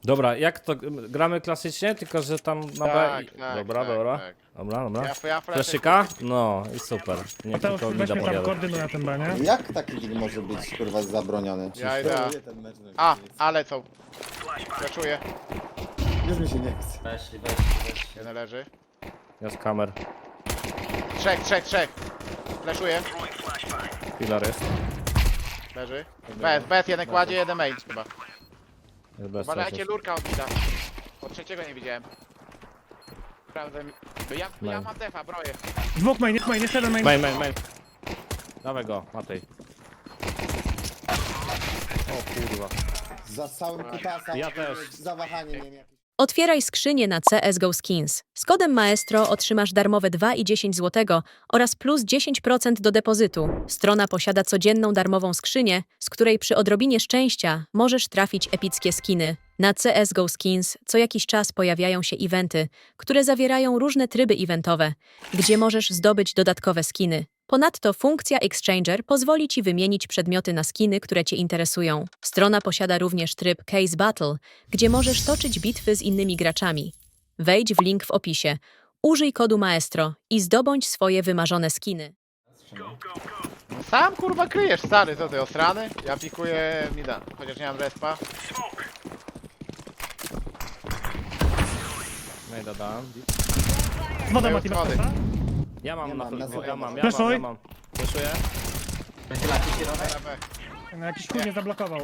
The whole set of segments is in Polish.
Dobra, jak to gramy klasycznie, tylko że tam na B. Tak, i... tak, Dobra, tak, dobra. tak. Dobra. Ja Fleszyka? No i super. Nie Mateusz, tylko weź mida mnie tam podjadę. koordynuje ten B, nie? Jak taki deal może być kurwa zabroniony? Ja idę. Ten mecz, no, A, nic. ale co? Flaszuję. Już mi się nie chce. Weź. Jeden leży. Ja z kamer. Trzech. Flaszuję. Filar jest. Leży. Bez, jeden kładzie, jeden main chyba. Jest bez Uważajcie, sensu. lurka od mida. Od trzeciego nie widziałem. Sprawdzę. Ja Main. mam defa, broję. Dwóch main, jeszcze jeden main. Main. Dawaj go, Matej. O kurwa. Za całym kutasa. Ja też. Zawahanie, nie wiem, jakieś. Otwieraj skrzynię na CSGO Skins. Z kodem Maestro otrzymasz darmowe 2,10 zł oraz plus 10% do depozytu. Strona posiada codzienną darmową skrzynię, z której przy odrobinie szczęścia możesz trafić epickie skiny. Na CSGO Skins co jakiś czas pojawiają się eventy, które zawierają różne tryby eventowe, gdzie możesz zdobyć dodatkowe skiny. Ponadto funkcja Exchanger pozwoli Ci wymienić przedmioty na skiny, które Cię interesują. Strona posiada również tryb Case Battle, gdzie możesz toczyć bitwy z innymi graczami. Wejdź w link w opisie, użyj kodu Maestro i zdobądź swoje wymarzone skiny. Sam kurwa kryjesz, stary, co ty, osrany? Ja pikuję mida, chociaż nie mam respa. Majda dałem. Woda Mają Mati, masz schody. kosa? Ja mam Nie na mam, na ja mam. Fleszuj. Fleszuję. Będzie laki środek. Na B. No, jakiś chuj mnie zablokował.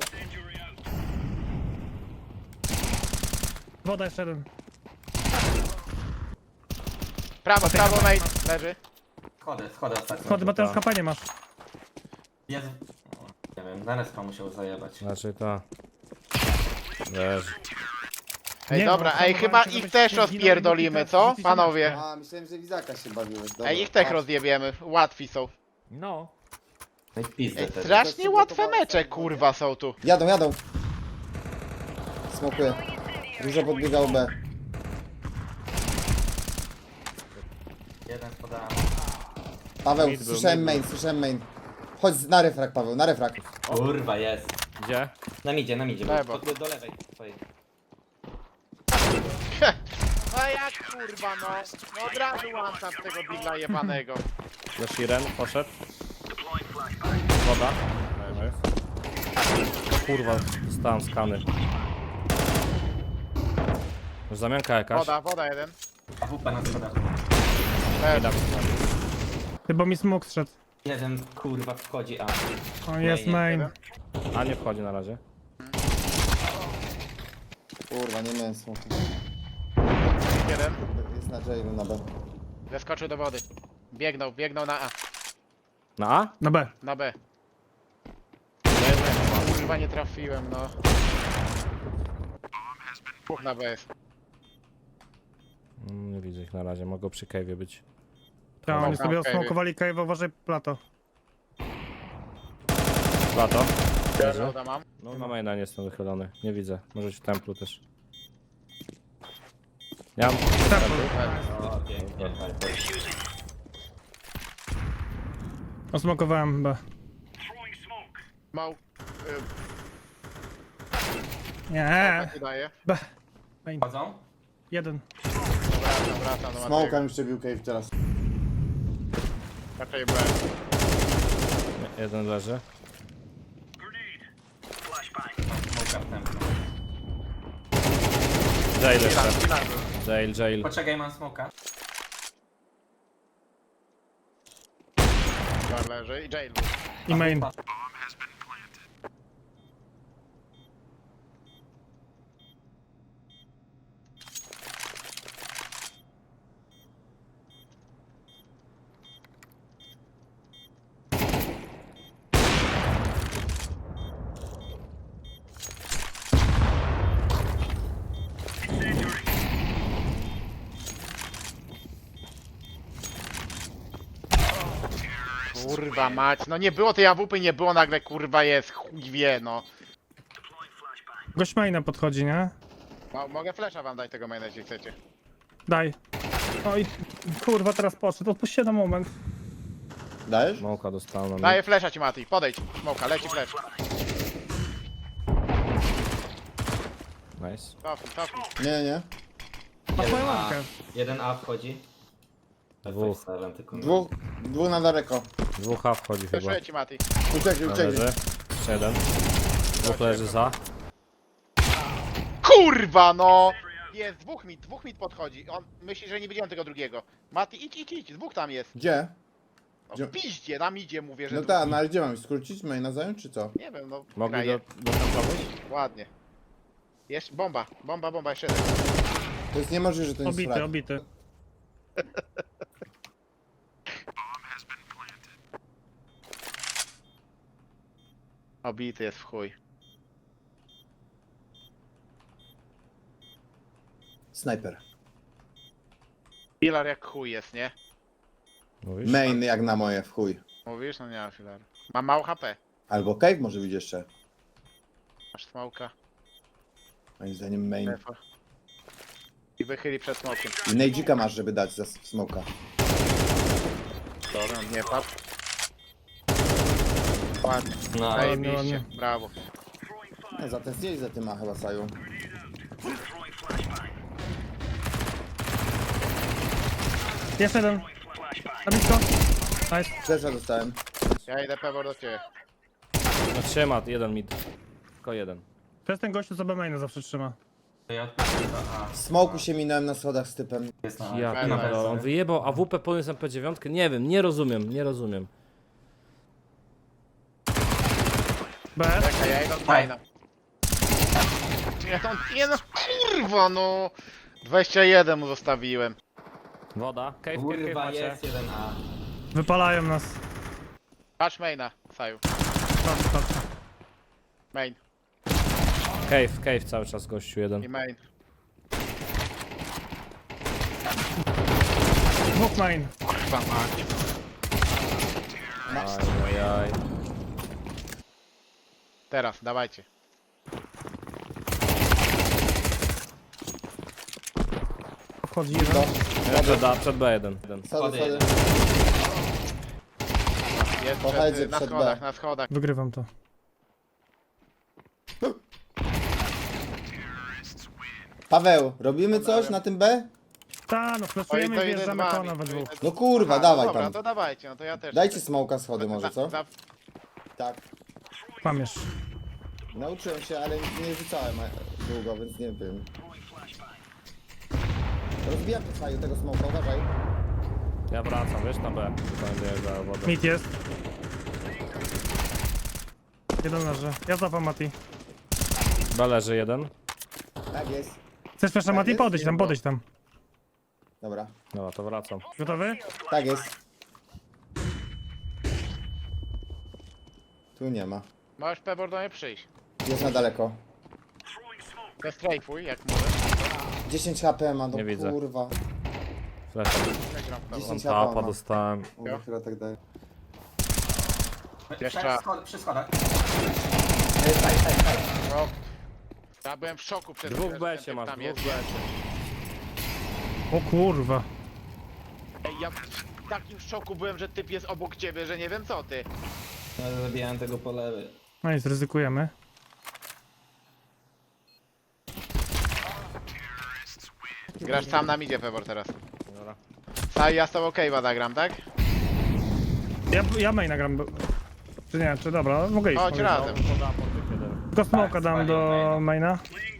Woda jeszcze jeden. Prawo, main, leży. Schody ostatnio. Schody, Mateusz, kapanie masz. Jest... Nie wiem, zaraz pan musiał zajebać. Znaczy to. Leży. Ej, Nie, dobra, no, ej, chyba żebyś ich też nie zginął i rozpierdolimy, teraz co? rzucić Panowie. A, myślałem, że Wizaka się bawiłeś. Dobra, Ej, ich też patrz. rozjebiemy, łatwi są. No. No i pizdę Ej, wtedy. strasznie łatwe mecze, kurwa, są tu. Jadą. Smokuję. Dużo podbiegał B. Jeden spodałem. Paweł, Mid był, słyszałem mid main, Chodź na refrak, Paweł, na refrak. Kurwa, jest. Gdzie? Na midzie. Lewo. Do lewej twojej. No jak kurwa, no od razu łamcam z tego bidla jebanego. Flashiren poszedł. Woda. Leży. Kurwa, dostałem skany. Już zamianka jakaś. Woda jeden. AWP na schodach. Mida. Chyba mi smok zszedł. Jeden kurwa wchodzi, a... O, jest Main, main. A nie wchodzi na razie. Kurwa, nie miałem smoku. Jeden. Jest na jailu na B. Zeskoczył do wody. Biegnął na A. Na A? Na B. Na B. Kurwa nie trafiłem, no. Dwóch na B jest. Nie widzę ich na razie, mogą przy cave'ie być. Tak, oni Okej. sobie osmokowali cave, uważaj plato. Plato. Leży. Woda mam. No na maina nie jestem wychylony. Nie widzę. Może być w templu też. Ja mam O, pięknie. Osmokowałem B. Mał. Nie. Tak daje. B. Main. Chodzą? Jeden. Wracam do Smoka Matego. mi przebił cave teraz. Raczej B. jeden leży. Smoka w tempo. Jail jeszcze. Filar był. Jail. Poczekaj, mam smoka. Filar leży i jail był. I main. Kurwa mać, no nie było tej AWP, nie było, nagle kurwa jest, chuj wie, no. Gość maina podchodzi, nie? Mogę flesza wam dać tego maina, jeśli chcecie. Daj. Oj, kurwa, teraz poszedł. Odpuść się na moment. Dajesz? Smoka dostałem. Daję flesza ci Mati, podejdź, smoka, leci flesz. Nice. Cofnij. Nie. Masz moją 1A. łapkę. 1A wchodzi. Dwóch. Silent, tylko no. Dwóch na daleko. Dwóch A wchodzi chyba. Wyszuję ci, Mati. Uciekli. Leży. Jeszcze jeden. Dwóch leży za. Kurwa, no! Jest, dwóch mit podchodzi. On myśli, że nie widziałem tego drugiego. Mati, idź, dwóch tam jest. Gdzie? No, Gdzie? w piździe, tam idzie, mówię, że No dwóch. tak, no ale gdzie mam? Skrócić maina zająć, czy co? Nie wiem, no, Mogli kraje. do templować? Ładnie. Jeszcze, bomba, jeszcze jeden. To jest niemożliwe, że to nie jest Obity, frag. obity. Obity jest w chuj. Snajper. Pilar jak chuj jest, nie? Mówisz? Main jak na moje, w chuj. Mówisz? No nie ma filaru. Mam mało HP. Albo cave może być jeszcze. Masz smoka. Moim zdaniem main. Defa. I wychyli przed smokiem. I nejdzika masz, żeby dać za smoka. Dobra, nie padł. Ładnie. No, Zajebiście. Brawo. No, zatestili za tym, a chyba Saju. Jeszcze jeden. Na blisko. Nice. Flesza dostałem. Ja idę pewor do ciebie. No trzyma, jeden mid. Tylko jeden. To jest ten gościu, co B-maina zawsze trzyma. to ja odpatrzę do A. W smoku się minąłem na schodach z typem. Jest na Ja Fajna pierdolę, wersja. on wyjebał AWP podniósł MP9? Nie wiem, nie rozumiem. B. Czekaj, ja idę od maina. Nie no, kurwa no! 21 mu zostawiłem. Woda. Cave Kurwa, macie. jest 1A. Wypalają nas. Patrz maina, Saju. Patrz. Main Cave cały czas gościu jeden. i main. Dwóch main. Kurwa mać. Ajajaj. Teraz, dawajcie. Wchodzi jeden. Przed B1. Schody, Schody schody. Jest Pochodzę na przed schodach, B. na schodach. Wygrywam to. Paweł, robimy coś na tym B? Ta, no fleszujemy to i idę wjeżdżamy z wami, kona we to dwóch. idę- No kurwa, Aha, dawaj dobra, tam. to dawajcie, no to ja też. Dajcie smoka schody może, co? Tak. Kłamiesz. Nauczyłem się, ale nie rzucałem długo, więc nie wiem. Rozbijam to Saju, tego smoka, uważaj. Ja wracam, wiesz, na B. Będzie za wodę. Mit jest. Jeden leży. Ja zapam Mati. B leży jeden. Tak jest. Chcesz proszę Tak Mati? jest? Podejdź tam. Dobra. Dobra, to wracam. Gotowy? Tak jest. Tu nie ma. Możesz Pebor do mnie przyjść. Jest na daleko. Zestrajfuj, jak możesz. 10 HP ma, no Nie widzę. kurwa. Flash. Przegram w 10 Tapa HP ma. dostałem. Mówię, chyba tak daje. Jeszcze. Przy schodach. No. Ja byłem w szoku przed Dwóch chwilą, B że ten się typ masz, tam dwóch jest. B. O kurwa. Ej, ja w takim szoku byłem, że typ jest obok ciebie, że nie wiem co ty. Ja zabijałem tego po lewej. No i zryzykujemy. Grasz sam na midzie, Pebor, teraz. Dobra. Saj, ja z tobą cave'a zagram, tak? Ja maina gram. Czy nie? Czy dobra? Mogę iść. Chodź mogę razem. Poda po tych jeden. Tylko smoka Tak, dam do maina.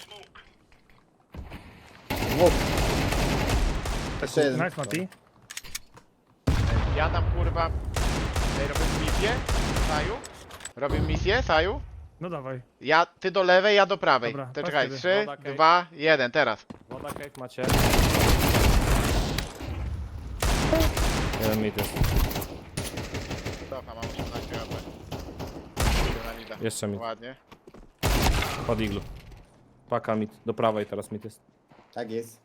Dwóch. Jeszcze jeden. Nice Mati. Ja tam kurwa... Ej, robimy misję? Saju? Robimy misję, Saju? No dawaj. Ty do lewej, ja do prawej. Dobra, To patrz czekaj, kiedy. 3, Woda, cave. 2, 1, teraz. Woda cave macie. Jeden mid jest. Cofa, mam 18 HP. Idę na mida. Jeszcze mid. Ładnie. Pod iglu. Paka mid. Do prawej teraz mid jest. Tak jest.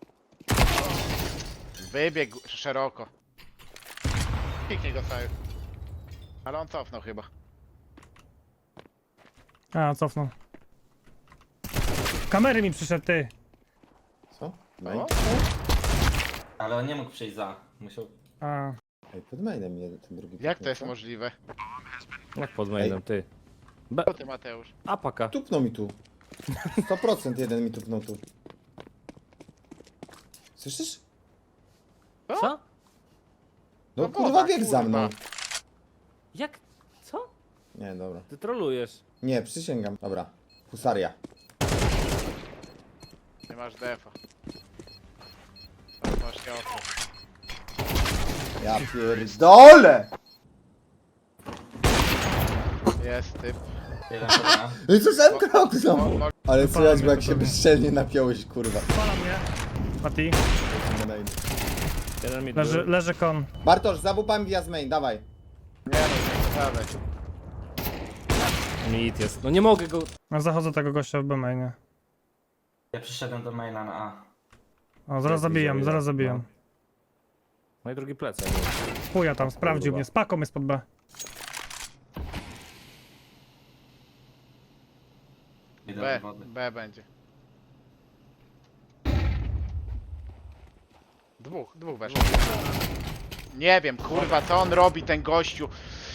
Wybiegł szeroko. Piknij go, Saju. Ale on cofnął chyba. A, cofnął. Kamery mi przyszedł, ty. Co? Main? O, Ale on nie mógł przyjść za. Musiał... A, Ej, pod mainem jeden, ten drugi. jak to jest co? możliwe? Jak pod mainem, ty. B. Co ty, Mateusz? A paka. Tupnął mi tu. 100% jeden mi tupnął tu. Słyszysz? Co? No No kurwa woda, bieg za mną. kurwa. Jak? Co? Nie, dobra. Ty trolujesz. Nie, przysięgam. Dobra. Husaria. Nie masz defa. Tak, masz nieofy. Ja pierdolę! Jest typ. Jeden dobra. No i co sam krok znowu? Mo- Ale słychać, bo jak się bezczelnie napiąłeś, kurwa. Pala mnie. Mati. Jeden mi Leży kon. Bartosz, za bubami wjazd main, dawaj. Nie no, nie zadać. Mit jest. No nie mogę go... No, zachodzę tego gościa w B-mainie. Ja przyszedłem do maila na A. O, zaraz zabijam, zaraz zabijam. No i drugi plecak. Chuja tam, sprawdził mnie. Z paką jest pod B. Idę B, do wody. B będzie. Dwóch weszło. Nie wiem, kurwa, co on robi, ten gościu.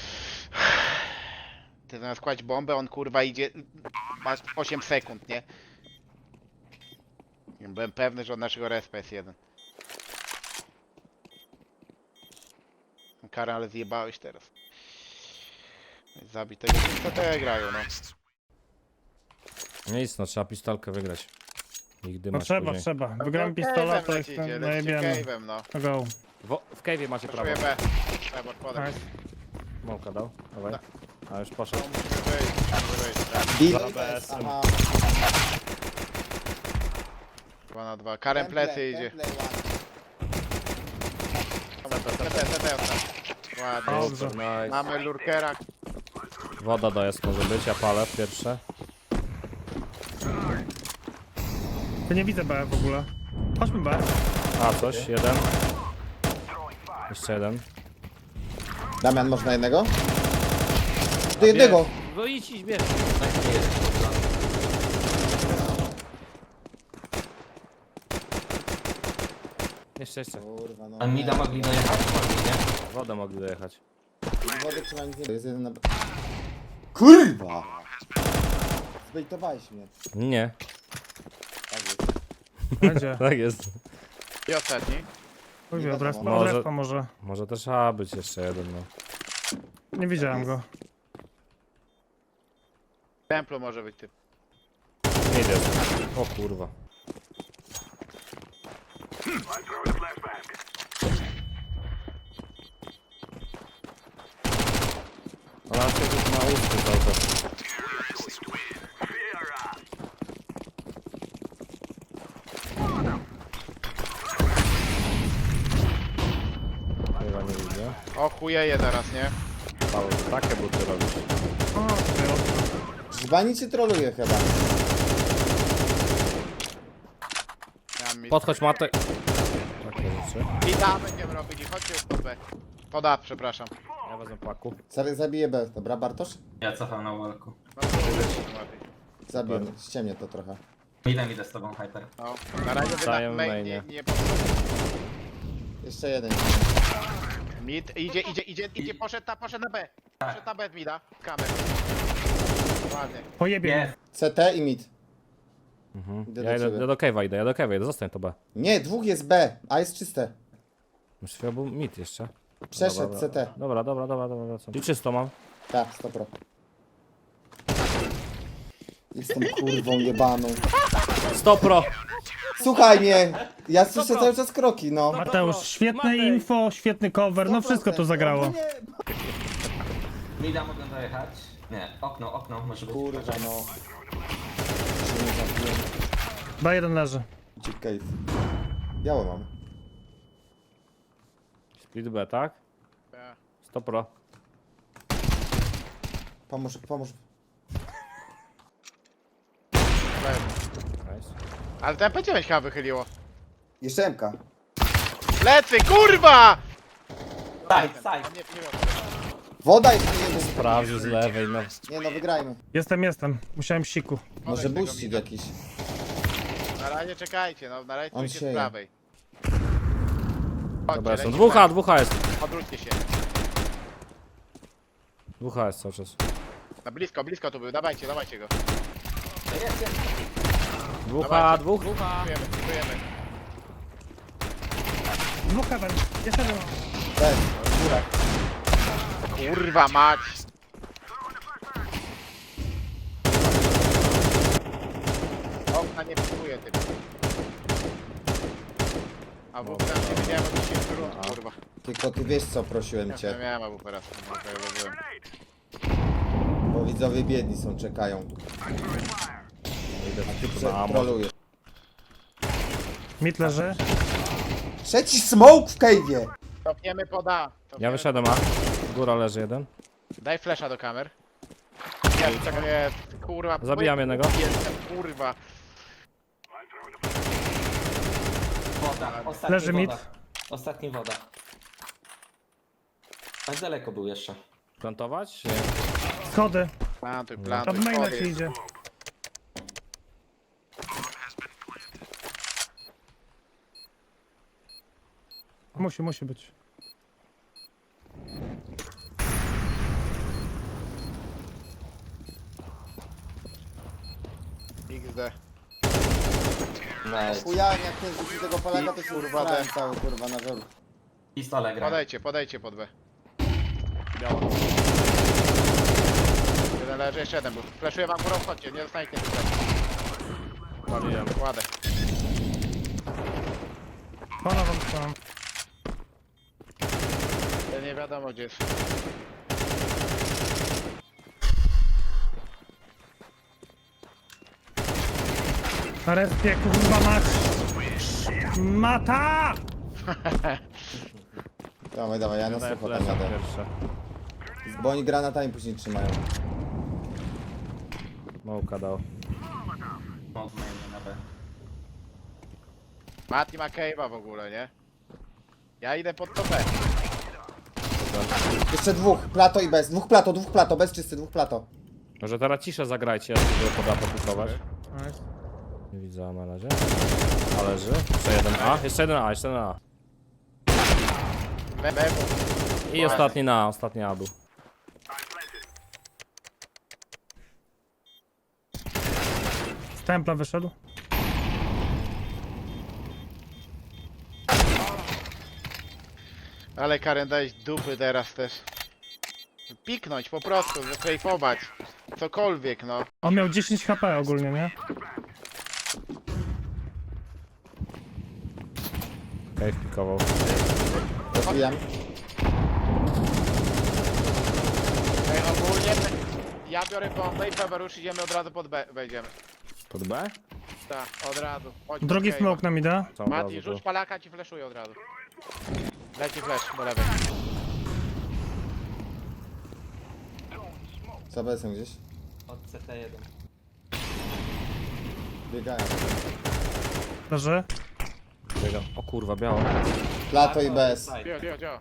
Ty zamiast kłaść bombę, on kurwa idzie... Masz 8 sekund, nie? Byłem pewny, że od naszego respa jest jeden. Karę, ale zjebałeś teraz. Zabij tego, co te grają, no. Nic, no trzeba pistolkę wygrać. Nigdy No masz trzeba, później. trzeba. Wygrałem pistola, to lecicie, jestem lecicie najebiony. cave'em, no. To go. W cave'ie macie prawo. Poszuję B. Trzeba podać. Nice. Mąka dał, dawaj. A już poszedł. Musimy wyjść, tak. Deal. BS. Aha. 2 na 2. Karem plecy idzie. Ładnie. Dobrze. Nice. Mamy lurkera. Woda dojazd może być, ja palę pierwsze. Tu nie widzę B w ogóle. Chodźmy B. A, coś, jeden. Jeszcze jeden. Damian, można jednego? Do jednego! No idź, bierz. Jeszcze. Kurwa, no. A mida mogli dojechać? Mogli, nie? Wodę mogli dojechać. Wody trzeba nic nie... Jest jeden na... Kurwa! Zbejtowałeś mnie. Nie, Tak jest. Będzie. tak jest. I ostatni. Chuj, od respa, Może- od respa może. Może też A być jeszcze jeden, no. Nie widziałem go. Templu może być typ. Nie jest. O kurwa. Ale się już na ustku cały czas. Chyba nie widzę. O chujeje zaraz, nie? Paweł, takie buty robisz. O, ty, Żbani cię troluje chyba. Ja mi... Podchodź matek. Takie rzeczy. I da będziemy robili, chodźcie już pod B. Pod A, przepraszam. Ja wezmę paku. Zabiję B. Dobra, Bartosz? Ja cofam na walku. No, Zabiję. Ściemnie to trochę. Idę z tobą, Hyper. no. Na razie wy Staję na w main mainie. nie Jeszcze jeden. Mid, idzie, poszedł na B. Poszedł na B z mida. Kamer. Ładnie. pojebie mnie. Jest. CT i mid. Idę Ja do ciebie. idę do cave'a, idę do cave'a, zostań to B. Nie, dwóch jest B, a jest czyste. Już chwilę był mit jeszcze. Przeszedł Dobra, CT. Dobra. Co? I czysto mam. Tak, 100%. Jestem kurwą jebaną. 100 Słuchaj mnie! Ja słyszę cały czas kroki, no. Mateusz, świetne Matej. info, świetny cover, no wszystko tu zagrało. No nie. Mida mogę dojechać? Nie, okno może być. Kurwa, no. Się nie zabiłem. B1 leży. Gdzie cave? Białe mam. Split B, tak? 100 Pomóż. Nice. Ale to MP9 chyba wychyliło. Jeszcze MK. Plecy, kurwa! Side. Nie wiem. Woda jeszcze jeden. Sprawdził z lewej, no. Nie no, wygrajmy. Jestem. Musiałem siku. Może tego buścik mida. jakiś. Na razie czekajcie, no na razie On stójcie z sieje. prawej. Dobra, są lecimy. 2H jest. Odwróćcie się. 2H jest cały czas. Na blisko tu był, dawajcie go. Jest. Dwóch, dwóch. Dziękujemy. Dwóch heaven. Jeszcze jeden. Bez. Kurwa mać. Okna nie pikuje typ. A w tam nie wiedziałem o 10 rund, kurwa. Tylko ty wiesz co prosiłem Nie cię. miałem AWP raz. No, to ja byłem. Bo widzowie biedni są, czekają. Idę Ty na amo. trolujesz. Mid leży. Trzeci smoke w cave'ie! Topniemy poda. Ja wyszedłem, a góra leży jeden. Daj flesza do kamer. Jest, czego jest. Kurwa. Zabijam jednego. Jestem, kurwa. Woda. Ostatni Leży woda. mid. Ostatni woda. A daleko był jeszcze. Plantować? Schody. Plantuj, Od plantuj. maina powiedz. ci idzie. Musi być. XD. Nice. Chujałem jak ten rzucił tego Polaka, to się Kurwa, kurwa ten. cały kurwa na żoru. Pistole gra. Podejdźcie pod B. Jeden leży, jeszcze jeden był. Fleszuję wam górą, chodźcie, nie dostaniecie tutaj. Paliłem. Kładę. Pana wam tam. Ja nie wiadomo gdzie jest. Na respie, kurwa mać. Mata! Dawaj, ja na Daję sucho tam flesza jadę. pierwsze. Bo oni granatami później trzymają. Małka dał. Od maina na B. Mati ma cave'a w ogóle, nie? Ja idę pod topę. Jeszcze dwóch, plato i bez. Dwóch plato, bez czysty, dwóch plato. Może teraz ciszę zagrajcie, ja spróbuję poda pokusować. Nice. Nie widzę na razie. A leży. Jeszcze jeden A. Jeszcze jeden A, jeszcze jeden A. Lewo. I ostatni na A, ostatni A był. Z templa wyszedł. Ale Karen dałeś dupy teraz też. Piknąć po prostu, zastrajfować. Cokolwiek no. On miał 10 HP ogólnie, nie? Cave pikował. Rozbijam. Ej, ogólnie ja biorę bombę i Faberusz idziemy od razu pod B, wejdziemy. Pod B? Tak, od razu. Chodź Drugi pod cave'a. smoke nam idę. Co od Mati, razu rzuć tu? palaka, ci fleszuje od razu. Leci flash do lewej. Co bez gdzieś? Od CT1. Biegają. Leży. Biegam. O kurwa, biało. Plato i bez. Cio.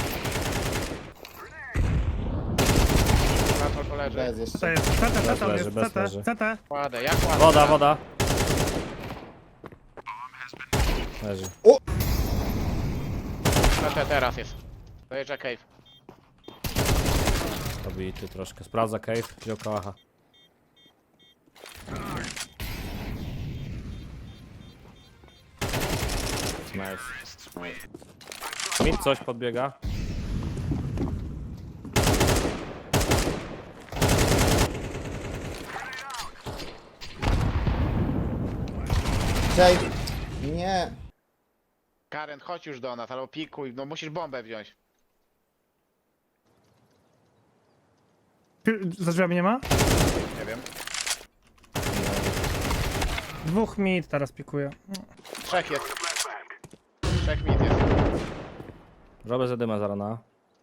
Platform poleży. Bez To jeszcze. jest CT, leży, jest bez leży. CT. Kładę, ja kładę. Woda. Leży. Teraz jest. Dojeżdża cave. Pobity troszkę. Sprawdza cave. Wziął kałacha. Nice. Mid coś podbiega. Cześć. Nie. Karen, chodź już do nas, albo pikuj, no musisz bombę wziąć. Za drzwiami nie ma? Nie wiem. Dwóch mid teraz pikuje. Trzech jest. Trzech mit jest. Robię zadyma zaraz na.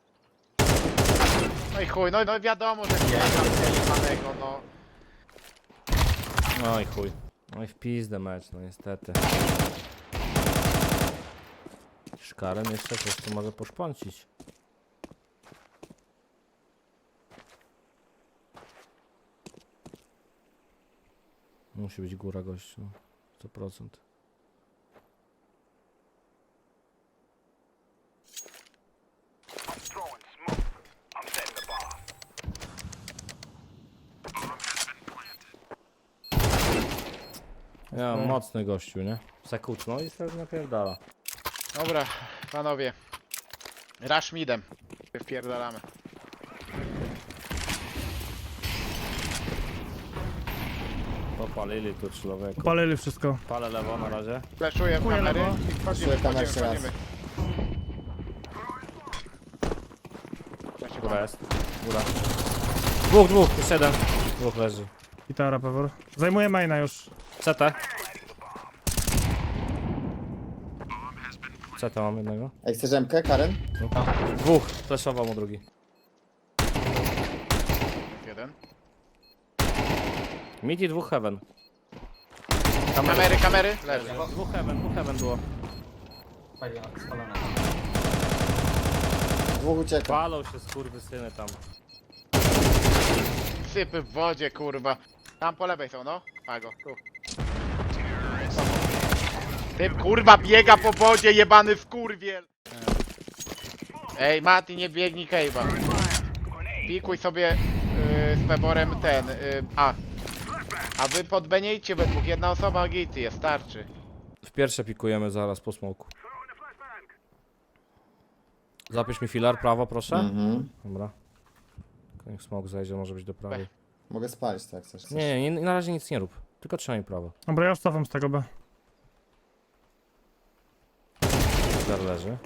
No i chuj, no wiadomo, że nie ma panego, no. No i chuj. No i w pizdę mecz, no niestety. Szkaren jeszcze coś tu może poszpącić. Musi być góra gościu. 100%. Ja, mocny gościu, nie? Sekutno i sobie napierdala. Dobra, panowie. Rush midem. Wpierdalamy. Popalili tu człowieku. Palili wszystko. Palę lewo na razie. Fleszuję w Chuja kamery lewo. i wchodzimy, Fleszuję kamerę wchodzimy, jeszcze raz. wchodzimy. Góra jest. Góra. Dwóch, już jeden. Dwóch leży. Gitara, Pewor. Zajmuję maina już. CT. CT mam jednego. Ej, chcesz MK, Karen? Dwóch. Flashował mu drugi. Jeden. Mid i dwóch heaven. Kamery, leży. Dwóch heaven było. Spalone. Dwóch ucieka. Palą się skurwysyny tam. Sypy w wodzie, kurwa. Tam po lewej są, no. Pago, tu. Typ, kurwa, biega po wodzie, jebany wkurwiel. Ej, Mati, nie biegnij Kejwa. Pikuj sobie z Peborem ten, A wy podbeniejcie we dwóch, jedna osoba gity jest, starczy. W pierwsze pikujemy zaraz po smoku. Zapisz mi filar, prawo proszę. Mhm. Dobra. Tylko niech smok zejdzie, może być do prawej. Mogę spalić, tak chcesz. Nie, na razie nic nie rób. Tylko trzymaj prawo. Dobra, ja już cofam z tego B. Filar leży.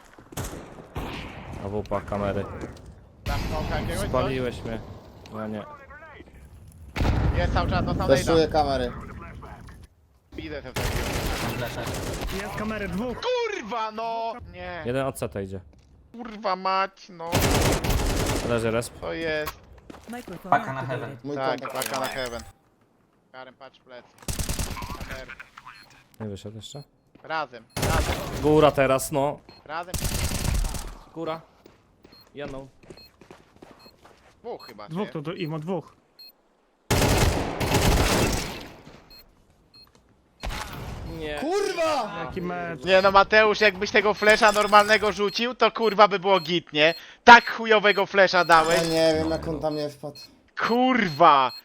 A wupa, kamery. Tam smoka jakiegoś, coś? Spaliłeś mnie. No nie. Jest cały czas, no sam Fleszuję kamery. Idę te takie. Mam flesze. Jest kamery, dwóch. Kurwa, no! Nie, Jeden od CT idzie. kurwa mać, no. Leży resp. To jest. Paka na heaven. Mój Tak, kontakt. paka na heaven. Karen, patrz plec. Kamery. Nie wyszedł jeszcze. Razem. Góra teraz, no. Razem. Góra. Jedną. Dwóch chyba, Dwóch nie? to Imo, dwóch. Nie. Kurwa! Jaki mecz. Nie no Mateusz, jakbyś tego flesza normalnego rzucił, to kurwa by było git, nie? Tak chujowego flesza Ja dałeś. nie wiem, jak on tam nie wpadł. Kurwa!